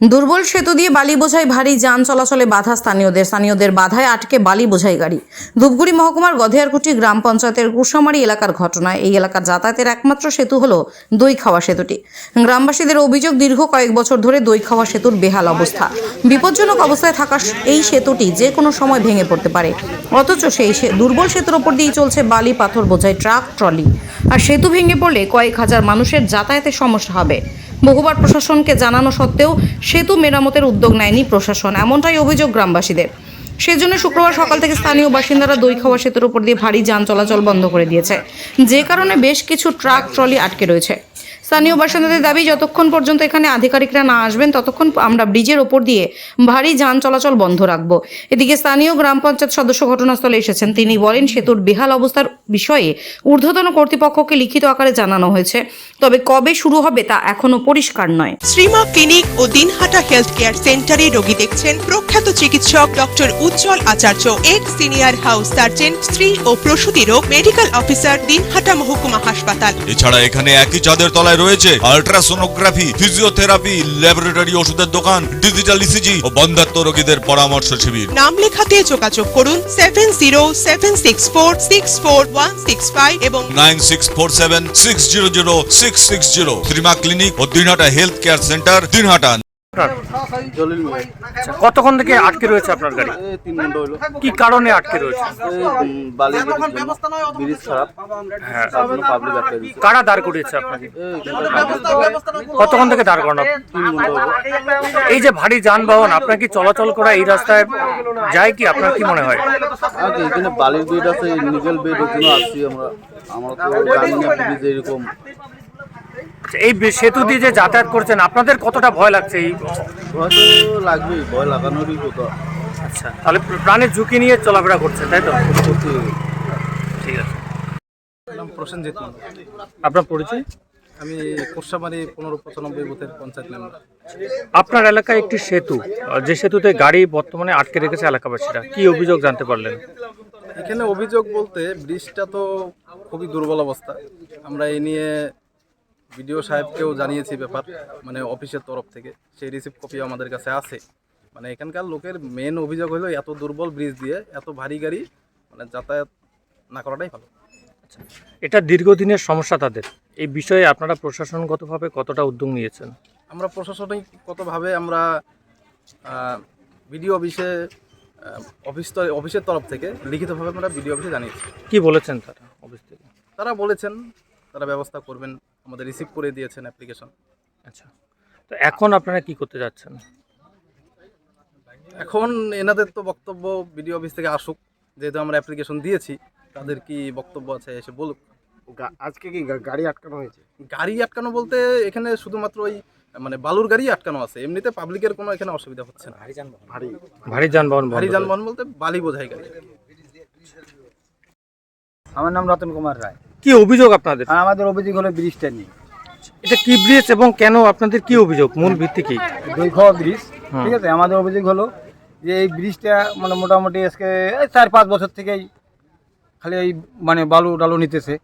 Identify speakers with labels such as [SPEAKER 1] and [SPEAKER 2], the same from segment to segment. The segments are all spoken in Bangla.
[SPEAKER 1] দুর্বল সেতু দিয়ে বালি বোঝাই ভারী যান চলাচলে বাধা স্থানীয়দের বাধায় আটকে বালি বোঝাই গাড়ি। ধূপগুড়ি মহকুমার গধেয়ারকুটি গ্রাম পঞ্চায়েতের কুশামারি এলাকার ঘটনা। এই এলাকার যাতায়াতের একমাত্র সেতু হলো দইখাওয়া সেতুটি। গ্রামবাসীদের অভিযোগ, দীর্ঘ কয়েক বছর ধরে দইখাওয়া সেতুর বেহাল অবস্থা। বিপজ্জনক অবস্থায় থাকা এই সেতুটি যে কোনো সময় ভেঙে পড়তে পারে, অথচ সেই দুর্বল সেতুর ওপর দিয়েই চলছে বালি পাথর বোঝাই ট্রাক ট্রলি। আর সেতু ভেঙে পড়লে কয়েক হাজার মানুষের যাতায়াতের সমস্যা হবে। বহুবার প্রশাসনকে জানানো সত্ত্বেও সেতু মেরামতের উদ্যোগ নেয়নি প্রশাসন, এমনটাই অভিযোগ গ্রামবাসীদের। সেজন্য শুক্রবার সকাল থেকে স্থানীয় বাসিন্দারা দইখাওয়া সেতুর উপর দিয়ে ভারী যান চলাচল বন্ধ করে দিয়েছে, যে কারণে বেশ কিছু ট্রাক ট্রলি আটকে রয়েছে। স্থানীয় বাসিন্দাদের দাবি, যতক্ষণ পর্যন্ত এখানে আধিকারিকরা না আসবেন ততক্ষণ আমরা ব্রিজের ওপর দিয়ে ভারী যান চলাচল বন্ধ রাখব। এদিকে স্থানীয় গ্রাম পঞ্চায়েত সদস্য ঘটনাস্থলে এসেছেন। তিনি বলেন, সেতুর বেহাল অবস্থার বিষয়ে ঊর্ধ্বতন কর্তৃপক্ষকে লিখিত আকারে জানানো হয়েছে, তবে কবে শুরু হবে তা এখনো পরিষ্কার নয়।
[SPEAKER 2] শ্রীমা ক্লিনিক ও দিনহাটা হেলথ কেয়ার সেন্টারে রোগী দেখছেন প্রখ্যাত চিকিৎসক doctor Ujjwal Acharya, ex senior house surgeon, স্ত্রী ও প্রসূতি রোগ মেডিকেল অফিসার, দিনহাটা মহকুমা হাসপাতাল।
[SPEAKER 3] এছাড়া এখানে একই চাঁদের তলায় রয়েছে আল্ট্রাসোনোগ্রাফি, ফিজিওথেরাপি, ল্যাবরেটরি, ওষুধের দোকান, ডিজিটাল ইসিজি ও বন্ধ্যাত্ব রোগীদের পরামর্শ শিবির।
[SPEAKER 2] নাম লেখাতে যোগাযোগ করুন 7076464165 এবং
[SPEAKER 3] 9647600660। শ্রীমা ক্লিনিক ও Dinhata health care centre, Dinhata.
[SPEAKER 4] Jalil Mia.
[SPEAKER 5] কতক্ষণ থেকে আটকে রয়েছে আপনার গাড়ি?
[SPEAKER 4] এই 3 ঘন্টা হলো।
[SPEAKER 5] কি কারণে আটকে রয়েছে?
[SPEAKER 4] এই বালি ব্রিজ খারাপ।
[SPEAKER 5] হ্যাঁ,
[SPEAKER 4] তার জন্য পাবলিক আটকে দিয়েছে।
[SPEAKER 5] কারা দাঁড় করিয়েছে আপনাকে?
[SPEAKER 4] এই
[SPEAKER 5] কতক্ষণ থেকে দাঁড় করানো?
[SPEAKER 4] 3 ঘন্টা হলো।
[SPEAKER 5] এই যে ভারী যানবাহন আপনার কি চলাচল করা এই রাস্তায় যায় কি, আপনার কি মনে হয়?
[SPEAKER 4] আগে এখানে বালির বেড আছে, নিকেল বেড, ওখানে আসছি আমরা তো জানি না ব্রিজ এরকম।
[SPEAKER 5] এই সেতু দিয়ে যে যাতায়াত করছেন, আপনাদের কতটা ভয় লাগছে? এই
[SPEAKER 4] ভয় তো লাগবেই, ভয় লাগানোরই কথা।
[SPEAKER 5] আচ্ছা, তাহলে প্রাণের ঝুঁকি নিয়ে চলাফেরা করছেন, তাই তো? ঠিক আছে।
[SPEAKER 6] নাম প্রসেনজিৎ মণ্ডল।
[SPEAKER 5] আপনার পরিচয়?
[SPEAKER 6] আমি কোর্সামারি 1595 বুথের পঞ্চায়েত মেম্বার।
[SPEAKER 5] আপনার এলাকায় একটি সেতু, যে সেতুতে গাড়ি বর্তমানে আটকে রেখেছে এলাকাবাসীরা, কি অভিযোগ জানতে পারলেন?
[SPEAKER 6] এখানে অভিযোগ বলতে ব্রিজটা তো খুবই দুর্বল অবস্থা। আমরা এই নিয়ে বিডিও সাহেবকেও জানিয়েছি ব্যাপার, মানে অফিসের তরফ থেকে সেই রিসিভ কপি আমাদের কাছে আছে। মানে এখানকার লোকের মেন অভিযোগ হলো এত দুর্বল ব্রিজ দিয়ে এত ভারী গাড়ি মানে যাতায়াত না করাটাই ভালো।
[SPEAKER 5] এটা দীর্ঘদিনের সমস্যা তাদের। এই বিষয়ে আপনারা প্রশাসনগতভাবে কতটা উদ্যোগ নিয়েছেন?
[SPEAKER 6] আমরা প্রশাসনিকগতভাবে আমরা বিডিও অফিসে অফিসের তরফ থেকে লিখিতভাবে আমরা বিডিও অফিসে জানিয়েছি।
[SPEAKER 5] কি বলেছেন তারা অফিস থেকে?
[SPEAKER 6] তারা বলেছেন তারা ব্যবস্থা করবেন, আমাদের রিসিভ করে দিয়েছেন অ্যাপ্লিকেশন।
[SPEAKER 5] আচ্ছা, তো এখন আপনারা কি করতে যাচ্ছেন?
[SPEAKER 6] এখন এনাদের তো বক্তব্য বিডিও অফিস থেকে আসুক, যেহেতু আমরা অ্যাপ্লিকেশন দিয়েছি, তাদের কি বক্তব্য আছে এসে বলুক।
[SPEAKER 7] আজকে কি গাড়ি আটকানো হয়েছে?
[SPEAKER 6] গাড়ি আটকানো বলতে এখানে শুধুমাত্র ওই মানে বালুর গাড়ি আটকানো আছে, এমনিতে পাবলিকের কোনো এখানে অসুবিধা হচ্ছে না।
[SPEAKER 5] ভারী যানবাহন
[SPEAKER 6] ভারী যানবাহন বলতে বালি বোঝাই গাড়ি।
[SPEAKER 7] আমার নাম রতন কুমার রায়।
[SPEAKER 5] কি অভিযোগ আপনাদের?
[SPEAKER 7] আর আমাদের অভিযোগ হলো ব্রিজটা নিয়ে।
[SPEAKER 5] এটা কি ব্রিজ এবং কেন, আপনাদের কি অভিযোগ, মূল ভিত্তি কি?
[SPEAKER 7] দইখাওয়া ব্রিজ, ঠিক আছে। আমাদের অভিযোগ হলো যে এই ব্রিজটা মানে মোটামুটি আজকে 4-5 বছর থেকেই খালি এই মানে বালু ডালু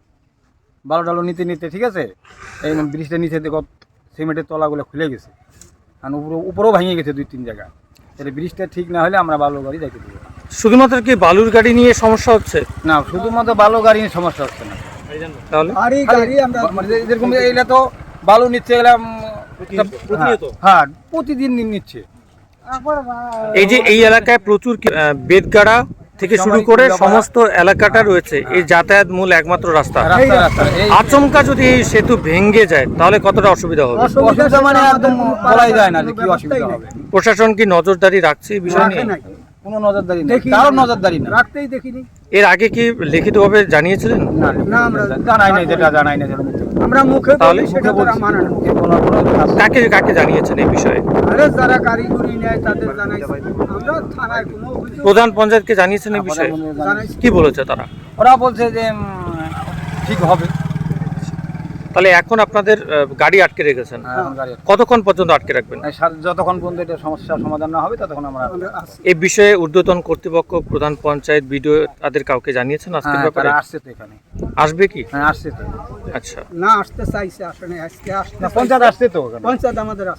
[SPEAKER 7] নিতে ঠিক আছে। এই ব্রিজটা নিচে দেখো সিমেন্টের তলাগুলো খুলে গেছে, আর উপরেও ভেঙে গেছে 2-3 জায়গায়। তাহলে ব্রিজটা ঠিক না হলে আমরা বালু গাড়ি যাইতে দেবো না।
[SPEAKER 5] শুধুমাত্র কি বালুর গাড়ি নিয়ে সমস্যা হচ্ছে?
[SPEAKER 7] না, শুধুমাত্র বালু গাড়ি নিয়ে সমস্যা হচ্ছে না।
[SPEAKER 5] তাহলে
[SPEAKER 7] যেরকম এইটা তো বালু নিচ্ছে, এলাম হ্যাঁ প্রতিদিন নিচ্ছে।
[SPEAKER 5] এই যে এই এলাকায় প্রচুর বেদগাড়া থেকে শুরু করে সমস্ত এলাকাটা রয়েছে, এই যাতায়াত মূল একমাত্র রাস্তা। আচমকা যদি এই সেতু ভেঙে যায় তাহলে কতটা অসুবিধা হবে?
[SPEAKER 7] অসুবিধা মানে একদম বলাই যায় না যে কি অসুবিধা হবে।
[SPEAKER 5] প্রশাসন কি নজরদারি রাখছে এই বিষয় নিয়ে?
[SPEAKER 7] কোনো নজরদারি নেই, কারোর নজরদারি না, রাখতেই দেখিনি।
[SPEAKER 5] এর আগে কি লিখিতভাবে জানিয়েছিলেন?
[SPEAKER 7] না, আমরা জানাই নাই, যেটা জানাই না আমরা মুখে,
[SPEAKER 5] তাহলে
[SPEAKER 7] সেটা তো মানা না।
[SPEAKER 5] কাকে কাকে জানিয়েছেন এই বিষয়ে?
[SPEAKER 7] আরে যারা কারিগরি নেয় তাদের জানাইছি। আমরা থানায় কোনো অভিযোগ,
[SPEAKER 5] প্রধান পঞ্চায়েতকে জানিয়েছেন এই বিষয়ে? কি বলেছে তারা?
[SPEAKER 7] ওরা বলছে যে ঠিক হবে।
[SPEAKER 5] তাহলে এখন আপনাদের গাড়ি আটকে রেখেছেন, কতক্ষণ পর্যন্ত আটকে রাখবেন?
[SPEAKER 7] যতক্ষণ পর্যন্ত এটা সমস্যার সমাধান না হবে ততক্ষণ আমরা।
[SPEAKER 5] এই বিষয়ে ঊর্ধ্বতন কর্তৃপক্ষ, প্রধান পঞ্চায়েত, বিডিও তাদের কাউকে জানিয়েছেন আজকের ব্যাপারে?
[SPEAKER 7] আসছে তো এখানে।
[SPEAKER 5] আসবে কি?
[SPEAKER 7] হ্যাঁ, আসছে তো।
[SPEAKER 5] আচ্ছা,
[SPEAKER 7] না আসতে চাইছে, আসলে আজকে আসতে পঞ্চায়েত আসছে তো, পঞ্চায়েত আমাদের আছে।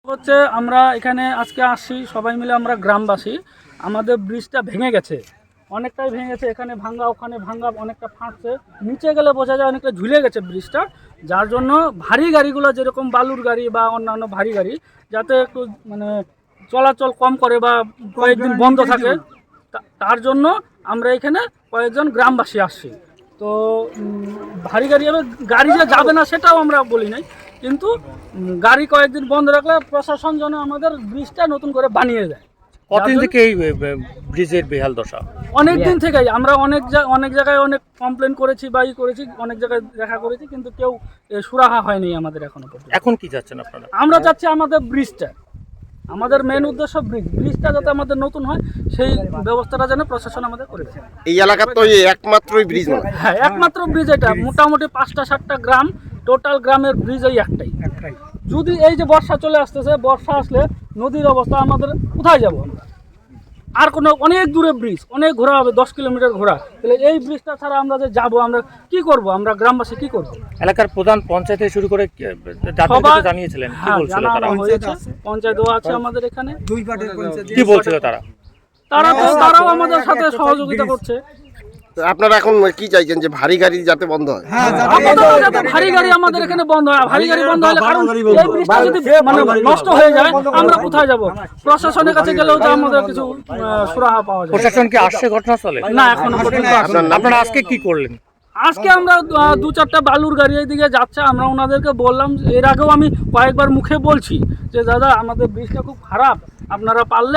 [SPEAKER 8] হচ্ছে আমরা এখানে আজকে আসছি সবাই মিলে, আমরা গ্রামবাসী। আমাদের ব্রিজটা ভেঙে গেছে, অনেকটাই ভেঙে গেছে, এখানে ভাঙ্গা ওখানে ভাঙ্গা, অনেকটা ফাঁকছে, নিচে গেলে বোঝা যায় অনেকটা ঝুলে গেছে ব্রিজটা, যার জন্য ভারী গাড়িগুলো যেরকম বালুর গাড়ি বা অন্যান্য ভারী গাড়ি যাতে একটু মানে চলাচল কম করে বা কয়েকদিন বন্ধ থাকে, তার জন্য আমরা এখানে কয়েকজন গ্রামবাসী আসছি। তো ভারী গাড়ি গাড়ি যে যাবে না সেটাও আমরা বলি নাই, কিন্তু গাড়ি কয়েকদিন বন্ধ রাখলে প্রশাসন যেন আমাদের ব্রিজটা নতুন করে বানিয়ে দেয়।
[SPEAKER 5] কতদিন থেকে এই ব্রিজের বেহাল দশা?
[SPEAKER 8] অনেক দিন থেকেই আমরা অনেক জায়গায় অনেক কমপ্লেন করেছি বা করেছি, অনেক জায়গায় দেখা করেছি, কিন্তু কেউ সুরাহা হয়নি আমাদের এখনো পর্যন্ত।
[SPEAKER 5] এখন কি চাচ্ছেন আপনারা?
[SPEAKER 8] আমরা চাচ্ছি আমাদের ব্রিজটা, আমাদের মেন উদ্দেশ্য ব্রিজটা যাতে আমাদের নতুন হয় সেই ব্যবস্থাটা যেন প্রশাসন আমাদের করে দেয়।
[SPEAKER 9] এই এলাকার তো একমাত্রই ব্রিজ নয়।
[SPEAKER 8] হ্যাঁ, একমাত্র ব্রিজ এটা। মোটামুটি 5টা-7টা গ্রাম, টোটাল গ্রামের ব্রিজ এই একটাই। যদি এই যে বর্ষা চলে আসতেছে, বর্ষা আসলে নদীর অবস্থা আমাদের কোথায় যাব আমরা? আর কোনো অনেক দূরে ব্রিজ, অনেক ঘোরা হবে, 10 কিলোমিটার ঘোরা, তাহলে এই ব্রিজটা ছাড়া আমরা যে যাবো, আমরা কি করব? আমরা গ্রামবাসী কি করব?
[SPEAKER 5] এলাকার প্রধান পঞ্চায়েত থেকে শুরু করে
[SPEAKER 8] সবাই
[SPEAKER 5] জানিয়েছিলেন, কি
[SPEAKER 8] হ্যাঁ,
[SPEAKER 5] বলছিল তারা?
[SPEAKER 8] পঞ্চায়েতও আছে আমাদের এখানে।
[SPEAKER 5] কি বলছিল তারা?
[SPEAKER 8] তারাও আমাদের সাথে সহযোগিতা করছে।
[SPEAKER 9] তো আপনারা এখন কি চাইছেন, যে ভারী গাড়ি যাতে বন্ধ হয়?
[SPEAKER 8] আপাতত যাতে ভারী গাড়ি আমাদের এখানে বন্ধ হয়। ভারী গাড়ি বন্ধ হলে, কারণ এই ব্রিজটা যদি মানে নষ্ট হয়ে যায় আমরা কোথায় যাব? প্রশাসনের কাছে গেলেও তো আমাদের কিছু সুরাহা পাওয়া যায়।
[SPEAKER 5] প্রশাসন কি আসছে ঘটনাস্থলে?
[SPEAKER 8] না, এখনো পর্যন্ত আসেনি।
[SPEAKER 5] আপনারা আজকে কি করলেন?
[SPEAKER 8] আজকে আমরা 2-4টা বালুর গাড়ি দিকে যাচ্ছে, আমরা ওনাদেরকে বললাম, এর আগেও আমি কয়েকবার মুখে বলছি যে দাদা আমাদের ব্রিজটা খুব খারাপ, আপনারা পারলে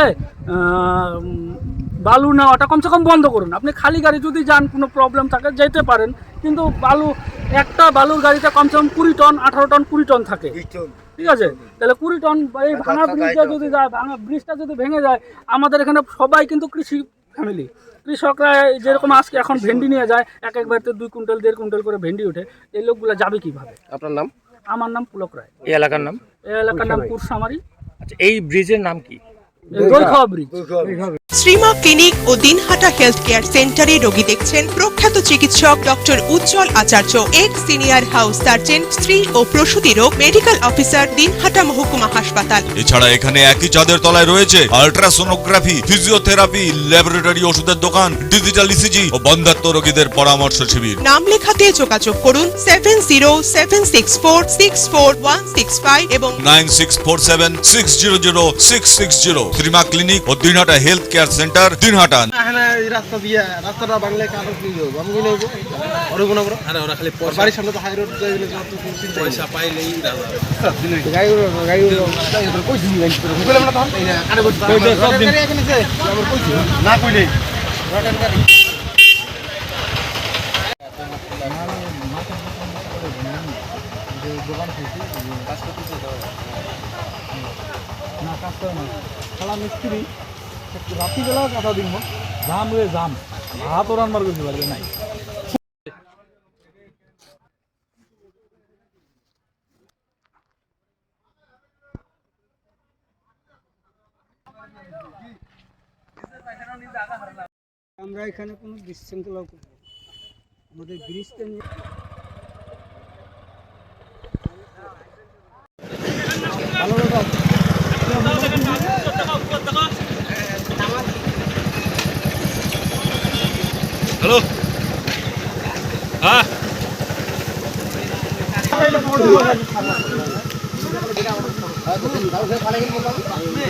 [SPEAKER 8] বালু নেওয়াটা কমসে কম বন্ধ করুন। আপনি খালি গাড়ি যদি যান, কোনো প্রবলেম থাকে যেতে পারেন, কিন্তু একটা বালুর গাড়িতে কমসে কম 20 টন, 18 টন, 20 টন থাকে, ঠিক আছে? তাহলে 20 টন এই ভাঙা ব্রিজটা যদি যায়, ভাঙা ব্রিজটা যদি ভেঙে যায়, আমাদের এখানে সবাই কিন্তু কৃষি ফ্যামিলি, কৃষকরা যেরকম আজকে এখন ভেন্ডি নিয়ে যায়, এক বাড়িতে 2 কুইন্টাল 1.5 কুইন্টাল করে ভেন্ডি ওঠে, এই লোকগুলো যাবে কিভাবে?
[SPEAKER 9] আপনার নাম?
[SPEAKER 8] আমার নাম পুলক রায়।
[SPEAKER 5] এই এলাকার নাম?
[SPEAKER 8] এই এলাকার নাম কুরসামারি।
[SPEAKER 5] আচ্ছা, এই ব্রিজের নাম কি?
[SPEAKER 8] দইখাওয়া ব্রিজ।
[SPEAKER 2] শ্রীমা ক্লিনিক ও দিনহাটা হেলথ কেয়ার সেন্টারে রোগী দেখছেন প্রখ্যাত চিকিৎসক doctor Ujjwal Acharya, ex senior house surgeon, স্ত্রী ও প্রসূতি রোগ মেডিকেল অফিসার, দিনহাটা মহকুমা হাসপাতাল।
[SPEAKER 3] এছাড়া এখানে একই ছাদের তলায় রয়েছে আল্ট্রাসোনোগ্রাফি, ফিজিওথেরাপি, ল্যাবরেটরি, ওষুধের দোকান, ডিজিটাল ইসিজি ও বন্ধ্যাত্ব রোগীদের পরামর্শ শিবির।
[SPEAKER 2] নাম লেখাতে যোগাযোগ করুন 7076464165 এবং
[SPEAKER 3] 9647600660। শ্রীমা ক্লিনিক ও Dinhata health care centre, Dinhata.
[SPEAKER 9] রাস্তা দিয়ে রাস্তাটা বাংলা কারো কি হবে? আমি কি নেব? ওরে কোন বড়? আরে ওরা খালি বাড়ির সামনে তো হাই রোড যাই গেলে যত পয়সা পাইলেই গাড়ি কই দিবি গাড়ি করে বললাম না তখন আরে বল সব দিন আমার কইছি না কইলেই রটেন গাড়ি দোকান থেকে কাজ করতে না, কাজ করে না, খালা মিস্ত্রি রাত্রিবেলা কথা দিব, জাম রে জাম, ভাত রান্নার করতে পারবে নাই। আমরা এখানে কোনো বিশৃঙ্খলা করব, আমাদের ব্রিজটা নিয়ে
[SPEAKER 3] হ্যালো, হ্যাঁ